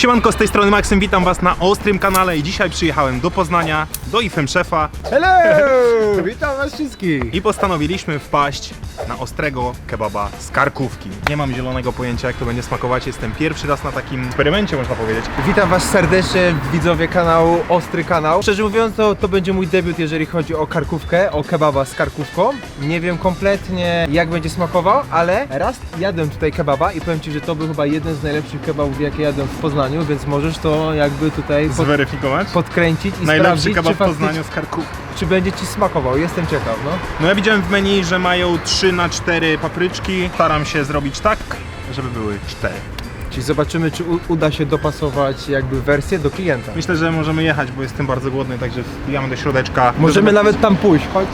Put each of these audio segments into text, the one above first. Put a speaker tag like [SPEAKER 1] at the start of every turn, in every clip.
[SPEAKER 1] Siemanko, z tej strony Maksym, witam was na Ostrym kanale i dzisiaj przyjechałem do Poznania, do IFM Szefa.
[SPEAKER 2] Hello! Witam was wszystkich!
[SPEAKER 1] I postanowiliśmy wpaść na ostrego kebaba z karkówki. Nie mam zielonego pojęcia, jak to będzie smakować, jestem pierwszy raz na takim eksperymencie, można powiedzieć.
[SPEAKER 2] Witam was serdecznie, widzowie kanału Ostry Kanał. Szczerze mówiąc, to będzie mój debiut, jeżeli chodzi o karkówkę, o kebaba z karkówką. Nie wiem kompletnie, jak będzie smakował, ale raz jadłem tutaj kebaba i powiem ci, że to był chyba jeden z najlepszych kebabów, jakie jadłem w Poznaniu, więc możesz to jakby tutaj
[SPEAKER 1] Zweryfikować?
[SPEAKER 2] podkręcić i
[SPEAKER 1] Najlepszy
[SPEAKER 2] sprawdzić,
[SPEAKER 1] kebab
[SPEAKER 2] czy
[SPEAKER 1] w Poznaniu z karkówki.
[SPEAKER 2] czy będzie ci smakował. Jestem ciekaw, no.
[SPEAKER 1] No ja widziałem w menu, że mają 3×4 papryczki. Staram się zrobić tak, żeby były 4.
[SPEAKER 2] Czyli zobaczymy, czy uda się dopasować jakby wersję do klienta.
[SPEAKER 1] Myślę, że możemy jechać, bo jestem bardzo głodny, także wbijamy do środeczka.
[SPEAKER 2] Możemy nawet tam pójść, chodź.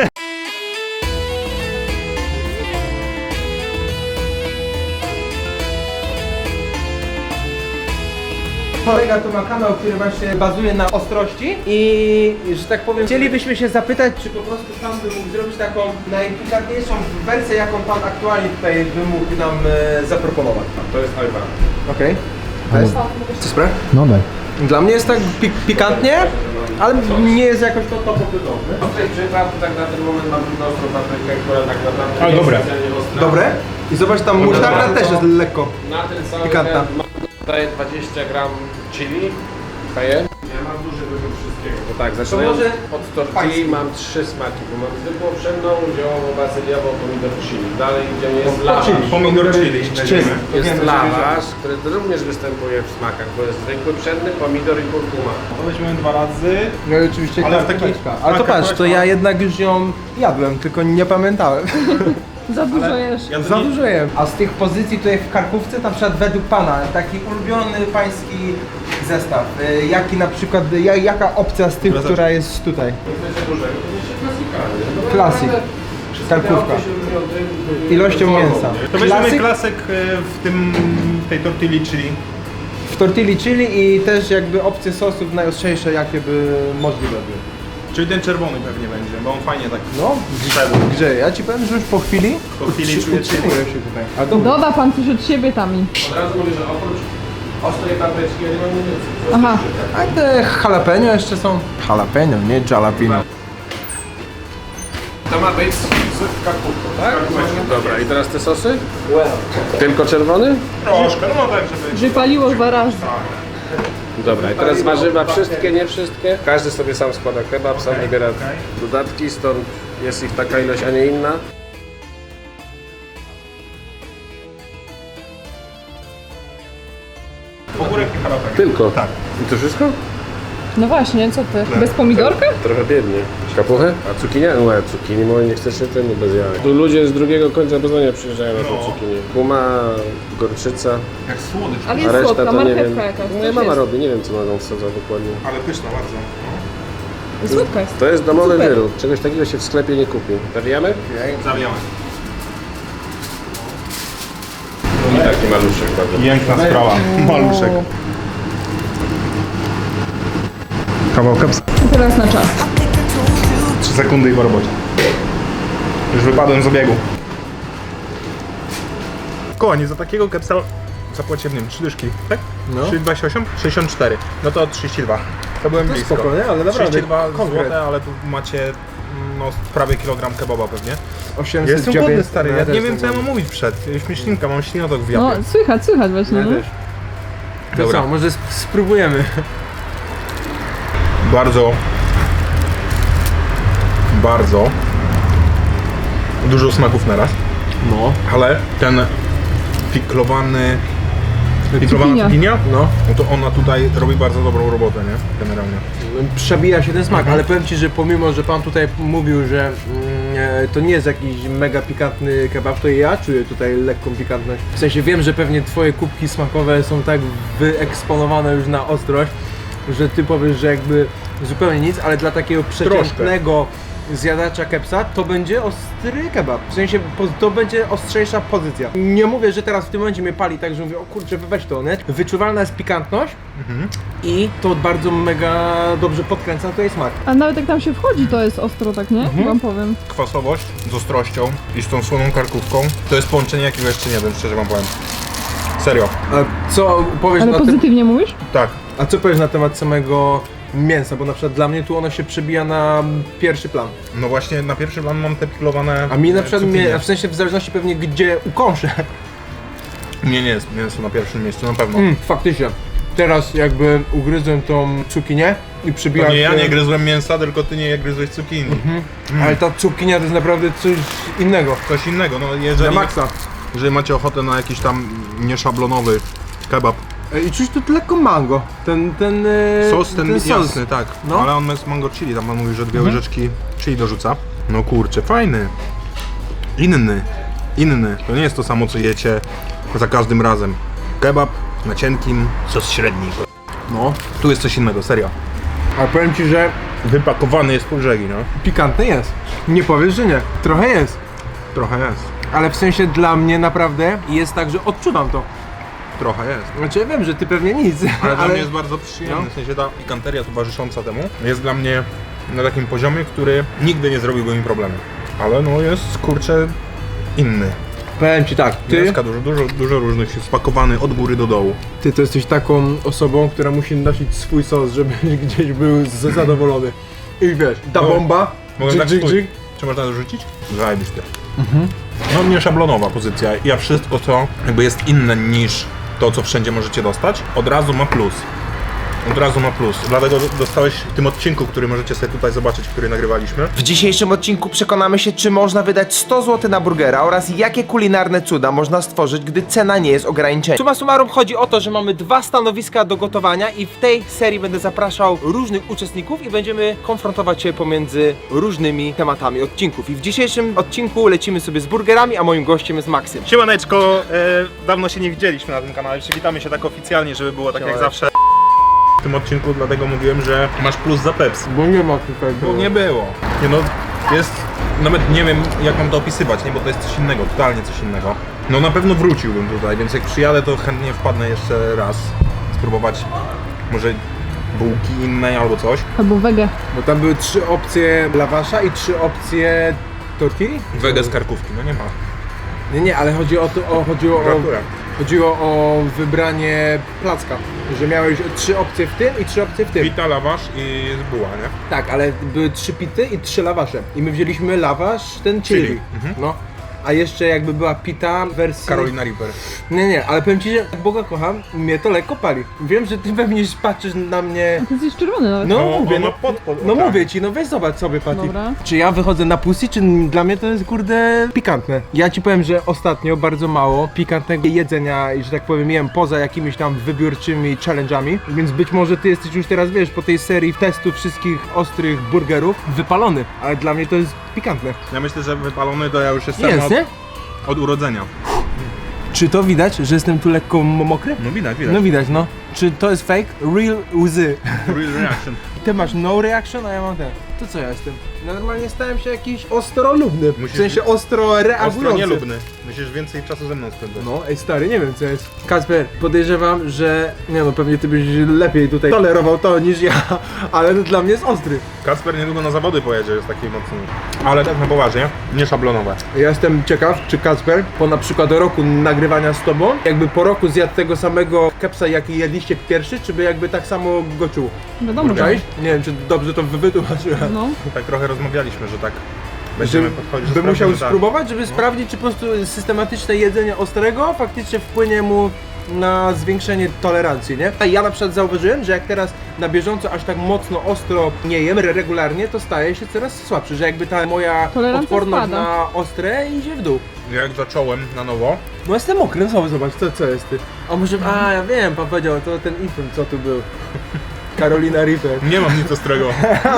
[SPEAKER 2] Kolega tu ma kanał, który właśnie bazuje na ostrości i, że tak powiem, chcielibyśmy się zapytać, czy po prostu pan by mógł zrobić taką najpikantniejszą wersję, jaką pan aktualnie tutaj by mógł nam zaproponować.
[SPEAKER 3] To jest Alba.
[SPEAKER 2] Okej. To jest? Co sprawa?
[SPEAKER 4] No daj.
[SPEAKER 2] Dla mnie jest tak pikantnie, ale nie jest jakoś to topowy.
[SPEAKER 3] Ostrej przypraw, tak na ten moment mam tylko ostrą paprykę, która tak naprawdę
[SPEAKER 1] Ale
[SPEAKER 3] jest
[SPEAKER 1] dobre.
[SPEAKER 3] specjalnie ostra.
[SPEAKER 2] Dobre? I zobacz, tam musztarda też jest lekko.
[SPEAKER 3] Na ten cały
[SPEAKER 2] Pikantna.
[SPEAKER 3] ten mam tutaj 20 gram chili, cayenne. Ja mam duży wybór wszystkiego. To tak, zaczynając
[SPEAKER 2] może
[SPEAKER 3] od tortilli mam 3 smaki, bo mam zwykłą pszenną, ziołową, bazyliową, pomidor chili. Dalej idzie jest lawasz.
[SPEAKER 1] Pomidor chili.
[SPEAKER 3] Jest lawasz, który również występuje w smakach, bo jest zwykły pszenny, pomidor i kurkuma.
[SPEAKER 1] To weźmiemy 2 razy.
[SPEAKER 2] No i oczywiście
[SPEAKER 1] Ale w
[SPEAKER 2] karkóweczka.
[SPEAKER 1] taki-
[SPEAKER 2] Ale to
[SPEAKER 1] taka
[SPEAKER 2] patrz, to
[SPEAKER 1] karkóweczka.
[SPEAKER 2] ja jednak już ją jadłem, tylko nie pamiętałem.
[SPEAKER 5] Za dużo jesz.
[SPEAKER 1] Ja
[SPEAKER 2] Za dużo jem. A z tych pozycji tutaj w karkówce, na przykład według pana, taki ulubiony pański zestaw, jaki na przykład, jaka opcja z tych,
[SPEAKER 1] Dobra,
[SPEAKER 2] która jest tutaj?
[SPEAKER 3] Chcecie dużego, to jest klasika.
[SPEAKER 2] Klasik. Karkówka. Ilością mięsa.
[SPEAKER 1] To weźmiemy
[SPEAKER 2] Klasyk
[SPEAKER 1] klasyk w tej tortilli, czyli
[SPEAKER 2] w tortilli chili i też jakby opcje sosów najostrzejsze, jakie by możliwe były.
[SPEAKER 1] Czyli ten czerwony pewnie będzie, bo on fajnie tak
[SPEAKER 2] No,
[SPEAKER 1] wszedł.
[SPEAKER 2] grzeje. Ja ci powiem, że już po chwili
[SPEAKER 1] Po chwili czuję
[SPEAKER 2] utrzymuję się tutaj. A dobra.
[SPEAKER 5] Doda pan coś od siebie tam i...
[SPEAKER 3] Od razu mówię, że oprócz ostrej papryczki ja nie mam nic więcej.
[SPEAKER 5] Aha.
[SPEAKER 2] A te jalapeno jeszcze są? Jalapeno, nie jalapeno.
[SPEAKER 3] To ma być z karkówką, tak? Dobra, i teraz te sosy? Tylko czerwony?
[SPEAKER 1] Troszkę, no tak, żeby...
[SPEAKER 5] Że paliło 2 razy.
[SPEAKER 3] Dobra, i teraz warzywa wszystkie, nie wszystkie. Każdy sobie sam składa kebab, sam wybiera dodatki, stąd jest ich taka ilość, a nie inna.
[SPEAKER 1] Ogórek i jalapeno.
[SPEAKER 3] Tylko?
[SPEAKER 1] Tak.
[SPEAKER 3] I to wszystko?
[SPEAKER 5] No właśnie, co ty? Bez pomidorka?
[SPEAKER 3] Trochę biednie. Kapuchę? A cukinia? No cukinii moje nie chcecie, to nie bez jaj. Tu ludzie z drugiego końca Poznania przyjeżdżają na tą
[SPEAKER 1] No.
[SPEAKER 3] cukinię. Guma, gorczyca,
[SPEAKER 1] Jak słodycz.
[SPEAKER 5] Ale
[SPEAKER 3] a
[SPEAKER 5] jest
[SPEAKER 3] reszta
[SPEAKER 5] słodka,
[SPEAKER 3] to nie wiem.
[SPEAKER 5] marchewka jakaś.
[SPEAKER 3] Moja
[SPEAKER 5] coś
[SPEAKER 3] mama
[SPEAKER 5] jest.
[SPEAKER 3] robi, nie wiem co mogą wsadzać dokładnie.
[SPEAKER 1] Ale pyszna bardzo.
[SPEAKER 5] Słodka jest.
[SPEAKER 3] To jest domowy
[SPEAKER 5] Super.
[SPEAKER 3] wyrób. Czegoś takiego się w sklepie nie kupi. Zawijamy?
[SPEAKER 1] Zawijamy.
[SPEAKER 3] I taki maluszek bardzo.
[SPEAKER 1] Piękna sprawa. Maluszek. Kawał kepsa.
[SPEAKER 5] I teraz na czas.
[SPEAKER 1] 3 sekundy i po robocie. Już wypadłem z obiegu. Kochani, za takiego kepsa zapłaciłem, nie wiem, 3 dyszki, tak?
[SPEAKER 2] No.
[SPEAKER 1] 3,28? 64. No to 32. To byłem blisko.
[SPEAKER 2] spoko, nie? Ale naprawdę
[SPEAKER 1] 32
[SPEAKER 2] konkret.
[SPEAKER 1] zł, ale tu macie no, prawie kilogram kebaba pewnie.
[SPEAKER 2] 800,
[SPEAKER 1] Ja jestem głodny,
[SPEAKER 2] 900,
[SPEAKER 1] stary, ja
[SPEAKER 2] też
[SPEAKER 1] nie wiem co
[SPEAKER 2] jestem
[SPEAKER 1] ja mam mówić przed. Śmieszninka, mam ślinotok w
[SPEAKER 5] No,
[SPEAKER 1] japie.
[SPEAKER 5] słychać właśnie.
[SPEAKER 2] głodny.
[SPEAKER 5] No.
[SPEAKER 2] Ja też. To
[SPEAKER 1] Dobra.
[SPEAKER 2] co, może spróbujemy.
[SPEAKER 1] Bardzo dużo smaków naraz,
[SPEAKER 2] No.
[SPEAKER 1] ale ten piklowana
[SPEAKER 5] Cukinia.
[SPEAKER 1] cukinia,
[SPEAKER 2] No.
[SPEAKER 1] no to ona tutaj robi bardzo dobrą robotę, nie? Generalnie.
[SPEAKER 2] Przebija się ten smak, ale powiem ci, że pomimo, że pan tutaj mówił, że to nie jest jakiś mega pikantny kebab, to ja czuję tutaj lekką pikantność. W sensie wiem, że pewnie twoje kubki smakowe są tak wyeksponowane już na ostrość, że ty powiesz, że jakby zupełnie nic, ale dla takiego przeciętnego zjadacza kepsa to będzie ostry kebab. W sensie to będzie ostrzejsza pozycja. Nie mówię, że teraz w tym momencie mnie pali tak, że mówię, o kurczę, weź to, nie? Wyczuwalna jest pikantność i to bardzo mega dobrze podkręca tutaj smak.
[SPEAKER 5] A nawet jak tam się wchodzi, to jest ostro, tak nie? Wam powiem.
[SPEAKER 1] Kwasowość z ostrością i z tą słoną karkówką to jest połączenie, jakiego jeszcze nie wiem, szczerze wam powiem. Serio.
[SPEAKER 2] A co powiesz
[SPEAKER 5] Ale
[SPEAKER 2] na temat...
[SPEAKER 5] pozytywnie mówisz?
[SPEAKER 1] Tak.
[SPEAKER 2] A co powiesz na temat samego mięsa? Bo na przykład dla mnie tu ono się przebija na pierwszy plan.
[SPEAKER 1] No właśnie na pierwszy plan mam te pilowane.
[SPEAKER 2] A mi na przykład,
[SPEAKER 1] cukinie.
[SPEAKER 2] w sensie w zależności pewnie gdzie ukąszę.
[SPEAKER 1] Nie jest mięso na pierwszym miejscu, na pewno.
[SPEAKER 2] Faktycznie. Teraz jakby ugryzłem tą cukinię i
[SPEAKER 1] To
[SPEAKER 2] przybija
[SPEAKER 1] nie ja
[SPEAKER 2] się...
[SPEAKER 1] nie gryzłem mięsa, tylko ty nie gryzłeś cukinii.
[SPEAKER 2] Ale ta cukinia to jest naprawdę coś innego.
[SPEAKER 1] Coś innego, no
[SPEAKER 2] Na
[SPEAKER 1] jeżeli,
[SPEAKER 2] maksa.
[SPEAKER 1] jeżeli macie ochotę na jakiś tam nieszablonowy kebab.
[SPEAKER 2] I czuć tu lekko mango. Ten
[SPEAKER 1] Sos ten
[SPEAKER 2] sos.
[SPEAKER 1] jasny, tak.
[SPEAKER 2] No.
[SPEAKER 1] Ale on jest mango chili, tam pan mówi, że 2 łyżeczki chili dorzuca. No kurczę, fajny. Inny. To nie jest to samo co jecie za każdym razem. Kebab na cienkim, sos średni.
[SPEAKER 2] No.
[SPEAKER 1] Tu jest coś innego, serio.
[SPEAKER 2] Ale powiem ci, że
[SPEAKER 1] Wypakowany jest po brzegi, no.
[SPEAKER 2] pikantny jest. Nie powiesz, że nie. Trochę jest.
[SPEAKER 1] Trochę jest.
[SPEAKER 2] Ale w sensie dla mnie naprawdę jest tak, że odczuwam to.
[SPEAKER 1] Trochę jest.
[SPEAKER 2] Znaczy ja wiem, że ty pewnie nic.
[SPEAKER 1] Ale dla mnie jest bardzo przyjemny,
[SPEAKER 2] No.
[SPEAKER 1] w sensie ta pikanteria towarzysząca temu jest dla mnie na takim poziomie, który nigdy nie zrobiłby mi problemu. Ale no jest, kurczę, inny.
[SPEAKER 2] Powiem ci tak,
[SPEAKER 1] Mięska dużo różnych jest spakowany od góry do dołu.
[SPEAKER 2] ty to jesteś taką osobą, która musi nosić swój sos, żeby gdzieś był zadowolony. I wiesz, ta
[SPEAKER 1] Mogę-
[SPEAKER 2] bomba,
[SPEAKER 1] Mogę
[SPEAKER 2] dżyk,
[SPEAKER 1] tak
[SPEAKER 2] dżyk,
[SPEAKER 1] spójrz.
[SPEAKER 2] dżyk.
[SPEAKER 1] Czy można to rzucić? Zajebiste. No nie szablonowa pozycja. Ja wszystko co jakby jest inne niż to co wszędzie możecie dostać, od razu ma plus. Dlatego dostałeś w tym odcinku, który możecie sobie tutaj zobaczyć, który nagrywaliśmy.
[SPEAKER 4] W dzisiejszym odcinku przekonamy się, czy można wydać 100 zł na burgera oraz jakie kulinarne cuda można stworzyć, gdy cena nie jest ograniczenia. Summa summarum chodzi o to, że mamy 2 stanowiska do gotowania i w tej serii będę zapraszał różnych uczestników i będziemy konfrontować się pomiędzy różnymi tematami odcinków. I w dzisiejszym odcinku lecimy sobie z burgerami, a moim gościem jest Maksym.
[SPEAKER 1] Siemaneczko, dawno się nie widzieliśmy na tym kanale, przywitamy się tak oficjalnie, żeby było tak jak zawsze. W tym odcinku dlatego mówiłem, że masz plus za Pepsi.
[SPEAKER 2] Bo nie ma tutaj.
[SPEAKER 1] Bo nie było. Nie no, jest, nawet nie wiem jak mam to opisywać, nie, bo to jest coś innego, totalnie coś innego. No na pewno wróciłbym tutaj, więc jak przyjadę to chętnie wpadnę jeszcze raz. Spróbować może bułki innej albo coś.
[SPEAKER 5] Albo wege.
[SPEAKER 2] Bo tam były 3 opcje lawasza i 3 opcje tortilli?
[SPEAKER 1] Wege z karkówki, no nie ma.
[SPEAKER 2] Nie, ale chodzi o to, chodziło o wybranie placka, że miałeś 3 opcje w tym i 3 opcje w tym.
[SPEAKER 1] Pita, lawasz i jest buła, nie?
[SPEAKER 2] Tak, ale były 3 pity i 3 lawasze. I my wzięliśmy lawasz, ten chili.
[SPEAKER 1] Chili,
[SPEAKER 2] No. A jeszcze jakby była pita w wersji...
[SPEAKER 1] Carolina Reaper.
[SPEAKER 2] Nie, ale powiem ci, że jak Boga kocham, mnie to lekko pali. Wiem, że ty pewnie patrzysz na mnie...
[SPEAKER 5] Ty jesteś czerwony nawet.
[SPEAKER 2] No,
[SPEAKER 1] No,
[SPEAKER 2] mówię,
[SPEAKER 1] on ma
[SPEAKER 2] no,
[SPEAKER 1] pod
[SPEAKER 2] no
[SPEAKER 1] oczami.
[SPEAKER 2] mówię ci, no weź zobacz sobie, Pati.
[SPEAKER 5] Dobra.
[SPEAKER 2] Czy ja wychodzę na pussy, czy dla mnie to jest kurde pikantne? Ja ci powiem, że ostatnio bardzo mało pikantnego jedzenia i że tak powiem jem poza jakimiś tam wybiórczymi challenge'ami, więc być może ty jesteś już teraz, wiesz, po tej serii testów wszystkich ostrych burgerów wypalony, ale dla mnie to jest pikantne.
[SPEAKER 1] Ja myślę, że wypalony to ja już jestem
[SPEAKER 2] Jest, nie?
[SPEAKER 1] od urodzenia.
[SPEAKER 2] Czy to widać, że jestem tu lekko mokry?
[SPEAKER 1] No widać.
[SPEAKER 2] No widać, no. Czy to jest fake? Real łzy.
[SPEAKER 1] Real reaction.
[SPEAKER 2] Ty masz no reaction, a ja mam ten. To co ja jestem? Normalnie stałem się jakiś ostrolubny. W
[SPEAKER 1] Musisz
[SPEAKER 2] sensie ostro reagujący.
[SPEAKER 1] Ostro nielubny. Musisz więcej czasu ze mną spędzać.
[SPEAKER 2] No, ej stary, nie wiem co jest. Kacper, podejrzewam, że... Nie no, pewnie ty byś lepiej tutaj tolerował to niż ja, ale to dla mnie jest ostry.
[SPEAKER 1] Kacper niedługo na zawody pojedzie, jest taki mocny. Ale tak na poważnie, nie szablonowe.
[SPEAKER 2] Ja jestem ciekaw, czy Kacper po na przykład roku nagrywania z tobą, jakby po roku zjadł tego samego kepsa, jaki jedliście pierwszy, czy by jakby tak samo go czuł?
[SPEAKER 5] Wiadomo, że.
[SPEAKER 2] Cześć? Nie wiem, czy dobrze to wytłumaczyłem.
[SPEAKER 5] No.
[SPEAKER 1] Tak trochę rozmawialiśmy, że tak
[SPEAKER 2] Że
[SPEAKER 1] będziemy podchodzić,
[SPEAKER 2] by musiał
[SPEAKER 1] sprawdzimy, że tak.
[SPEAKER 2] spróbować, żeby sprawdzić, czy po prostu systematyczne jedzenie ostrego faktycznie wpłynie mu na zwiększenie tolerancji, nie? A ja na przykład zauważyłem, że jak teraz na bieżąco aż tak mocno ostro nie jem regularnie, to staje się coraz słabszy, że jakby ta moja
[SPEAKER 5] Tolerancja
[SPEAKER 2] odporność
[SPEAKER 5] spada.
[SPEAKER 2] na ostre idzie w dół.
[SPEAKER 1] Jak zacząłem na nowo,
[SPEAKER 2] No jestem mokry, no zobacz, co jest ty? A może, ja wiem, pan powiedział, to ten infant, co tu był. Carolina Reaper.
[SPEAKER 1] nie mam nic ostrego.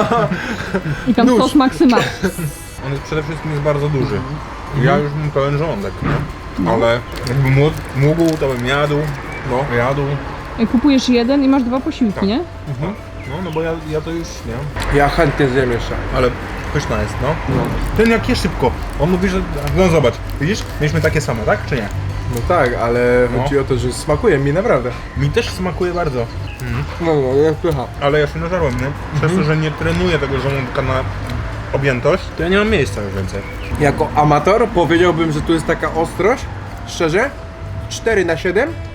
[SPEAKER 5] I tam sos Maksyma.
[SPEAKER 1] On jest przede wszystkim jest bardzo duży. Ja już mam pełen żołądek, nie? Ale jakbym mógł, to bym jadł.
[SPEAKER 2] No.
[SPEAKER 1] Jadł.
[SPEAKER 5] Kupujesz jeden i masz 2 posiłki, nie?
[SPEAKER 1] No bo ja to już, nie?
[SPEAKER 2] Ja chętnie zjem jeszcze.
[SPEAKER 1] Ale pyszna jest, no. Ten jak je szybko. On mówi, że... No zobacz, widzisz? Mieliśmy takie same, tak? Czy nie?
[SPEAKER 2] No tak, ale
[SPEAKER 1] No.
[SPEAKER 2] chodzi o to, że smakuje mi naprawdę.
[SPEAKER 1] Mi też smakuje bardzo.
[SPEAKER 2] No, jak pycha.
[SPEAKER 1] Ale ja się nażarłem, nie? Przez to, że nie trenuję tego żołądka na objętość, to ja nie mam miejsca już więcej.
[SPEAKER 2] Jako amator powiedziałbym, że tu jest taka ostrość, szczerze, 4/7,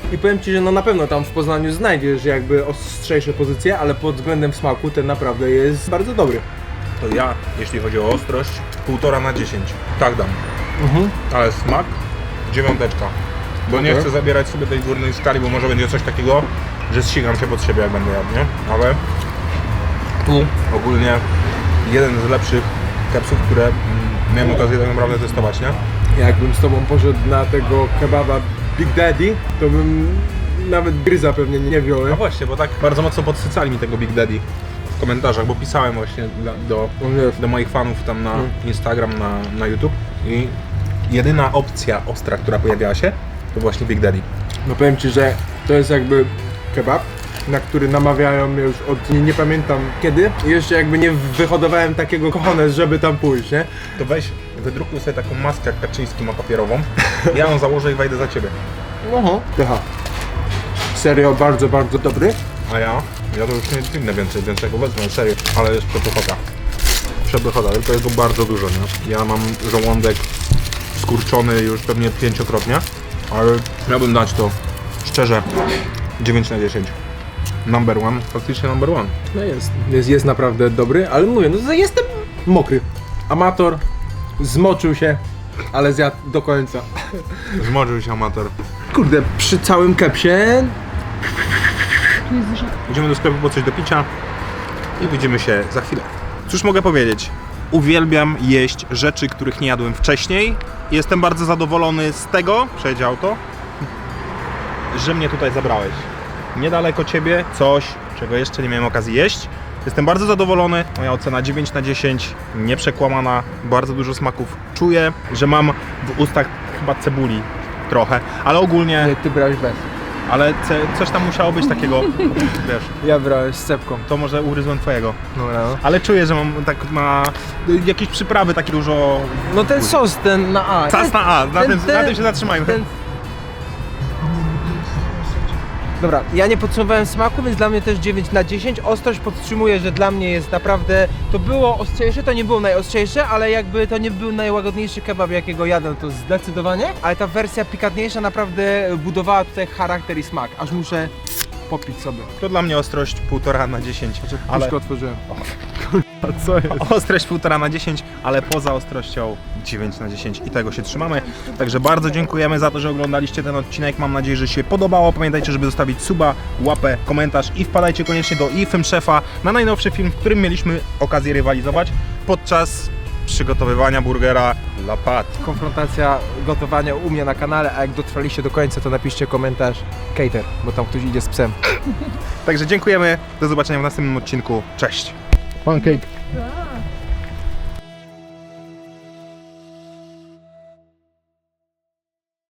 [SPEAKER 2] I powiem ci, że no na pewno tam w Poznaniu znajdziesz jakby ostrzejsze pozycje, ale pod względem smaku ten naprawdę jest bardzo dobry.
[SPEAKER 1] To ja, jeśli chodzi o ostrość, 1,5 na 10. Tak dam. Ale smak 9. Bo nie
[SPEAKER 2] Okej.
[SPEAKER 1] chcę zabierać sobie tej górnej skali, bo może będzie coś takiego, że zsigam się pod siebie, jak będę jadł, nie? Ale tu ogólnie jeden z lepszych kepsów, które miałem okazję tak naprawdę testować, nie?
[SPEAKER 2] Jakbym z tobą poszedł na tego kebaba Big Daddy, to bym nawet gryza pewnie nie wziął.
[SPEAKER 1] No właśnie, bo tak bardzo mocno podsycali mi tego Big Daddy w komentarzach, bo pisałem właśnie do moich fanów tam na Instagram, na YouTube i jedyna opcja ostra, która pojawiała się, to właśnie Big Daddy.
[SPEAKER 2] No powiem ci, że to jest jakby kebab, na który namawiają mnie już od nie pamiętam kiedy. I jeszcze jakby nie wyhodowałem takiego kochones, żeby tam pójść, nie?
[SPEAKER 1] To weź, wydrukuj sobie taką maskę jak Kaczyński ma papierową, ja ją założę i wejdę za ciebie.
[SPEAKER 2] Aha. Serio, bardzo, bardzo dobry.
[SPEAKER 1] A ja to już nie dźwignę więcej, więc jak go wezmę, serio, ale jest przepychota. Przepychota, tylko jest go bardzo dużo, nie? Ja mam żołądek skurczony już pewnie 5-krotnie, ale miałbym dać to szczerze 9 na 10. Number one, faktycznie number one.
[SPEAKER 2] No jest naprawdę dobry, ale mówię, no jestem mokry. Amator, zmoczył się, ale zjadł do końca.
[SPEAKER 1] Zmoczył się amator.
[SPEAKER 2] Kurde, przy całym kepsie
[SPEAKER 5] Tu jest dużo.
[SPEAKER 1] Idziemy do sklepu po coś do picia i widzimy się za chwilę. Cóż mogę powiedzieć? Uwielbiam jeść rzeczy, których nie jadłem wcześniej. Jestem bardzo zadowolony z tego, przejedzie auto, że mnie tutaj zabrałeś. Niedaleko ciebie coś, czego jeszcze nie miałem okazji jeść. Jestem bardzo zadowolony. Moja ocena 9 na 10, nieprzekłamana, bardzo dużo smaków. Czuję, że mam w ustach chyba cebuli trochę, ale ogólnie,
[SPEAKER 2] ty brałeś bez.
[SPEAKER 1] ale coś tam musiało być takiego, wiesz,
[SPEAKER 2] Ja brałem z cepką.
[SPEAKER 1] to może ugryzłem twojego.
[SPEAKER 2] Dobra, no.
[SPEAKER 1] Ale czuję, że mam tak ma jakieś przyprawy takie dużo.
[SPEAKER 2] No ten sos, ten na A.
[SPEAKER 1] Czas na A, na tym się zatrzymajmy.
[SPEAKER 4] Dobra, ja nie podsumowałem smaku, więc dla mnie też 9 na 10. Ostrość podtrzymuję, że dla mnie jest naprawdę... To było ostrzejsze, to nie było najostrzejsze, ale jakby to nie był najłagodniejszy kebab, jakiego jadłem, to zdecydowanie. Ale ta wersja pikantniejsza naprawdę budowała tutaj charakter i smak. Aż muszę popić sobie.
[SPEAKER 1] To dla mnie ostrość 1,5 na 10. Ale
[SPEAKER 2] Puszkę otworzyłem.
[SPEAKER 1] ostrość 1,5 na 10, ale poza ostrością 9 na 10 i tego się trzymamy. Także bardzo dziękujemy za to, że oglądaliście ten odcinek. Mam nadzieję, że się podobało. Pamiętajcie, żeby zostawić suba, łapę, komentarz i wpadajcie koniecznie do iFilm Szefa na najnowszy film, w którym mieliśmy okazję rywalizować podczas przygotowywania burgera La Pat.
[SPEAKER 4] Konfrontacja gotowania u mnie na kanale, a jak dotrwaliście do końca, to napiszcie komentarz cater, bo tam ktoś idzie z psem.
[SPEAKER 1] Także dziękujemy. Do zobaczenia w następnym odcinku. Cześć. Pancake.